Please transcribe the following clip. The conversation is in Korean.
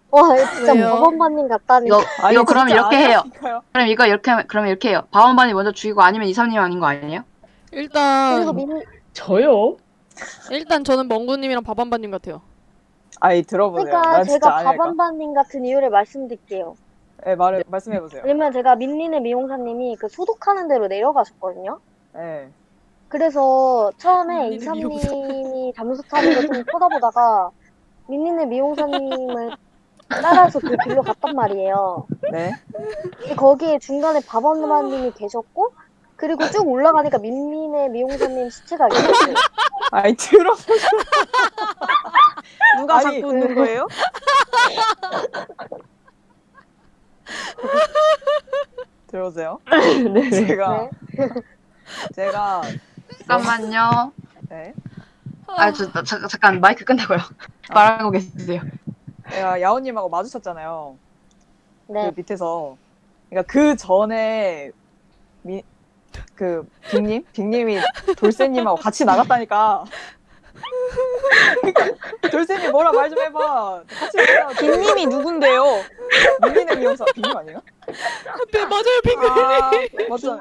와, 이거 진짜 왜요? 법원반님 같다니. 이거 그럼 진짜 이렇게 해요. 아니라니까요. 그럼 이거 이렇게 해요. 바원반이 먼저 죽이고 아니면 이삼님 아닌 거 아니에요? 그리고 일단 저요? 저는 멍구님이랑 밥한반님 같아요. 아니 들어보세요. 그러니까 난 진짜 제가 아니랄까. 법원반님 같은 이유를 말씀드릴게요. 네, 말씀해보세요. 왜냐면 제가 민니네 미용사님이 그 소독하는 대로 내려가셨거든요. 네. 그래서 처음에 민니네 이삼님이 잠수 타는 거 좀 쳐다보다가 민니네 미용사님을 따라서 그 길로 갔단 말이에요. 네. 근데 거기에 중간에 밥원반님이 계셨고 그리고 쭉 올라가니까 민니네 미용사님 시체가 있었어요. 아니 들어보세요. 누가 아니, 잡고 있는 거예요? 들어보세요. 네. 제가 잠깐만요. 네. 잠깐 마이크 끈다고요. 말하고 계세요. 제가 야오님하고 마주쳤잖아요. 네. 그 밑에서. 그러니까 그 전에 빅님이 돌쇠님하고 같이 나갔다니까. 돌쇠님 뭐라 말 좀 해봐. 같이 나가. 빅님이 누군데요? 민니네 미용사 빅님 아니에요? 네 맞아요 핑크. 아 맞죠.